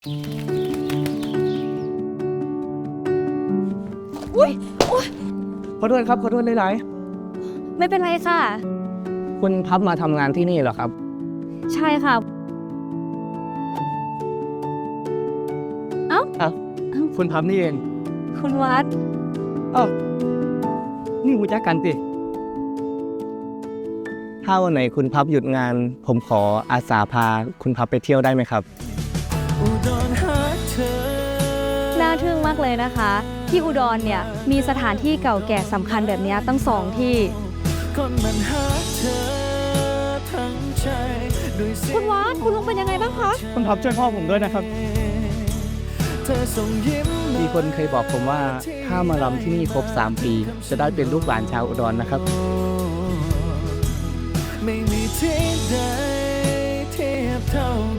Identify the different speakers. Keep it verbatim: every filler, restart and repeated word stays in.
Speaker 1: อุ้ยโอ๊ย
Speaker 2: ขอโทษครับขอโทษหลาย
Speaker 1: ไม่เป็นไรค่ะ
Speaker 2: ๆคุณพับมาทำงานที่นี่เหรอครับ
Speaker 1: ใช่ค่ะ เอ้า
Speaker 2: อ้าวคุณพับนี่เอง
Speaker 1: คุณวัด
Speaker 2: อ้าวนี่รู้จักกันสิถ้าวันไหนคุณพับหยุดงาน ผมขออาสาพาคุณพับไปเที่ยวได้ไหมครับ
Speaker 1: น่าทึ่งมากเลยนะคะ ที่อุดรเนี่ยมีสถานที่เก่าแก่สำคัญแบบนี้ตั้งสองที่ คุณวัดคุณลุงเป็นยังไงบ้างคะ
Speaker 2: คุณพับช่วยพ่อผมด้วยนะครับ มีคนเคยบอกผมว่าถ้ามารำที่นี่ครบสามปี จะได้เป็นลูกหลานชาวอุดรนะครับ
Speaker 3: ไม่มีที่ใดเทียบเท่า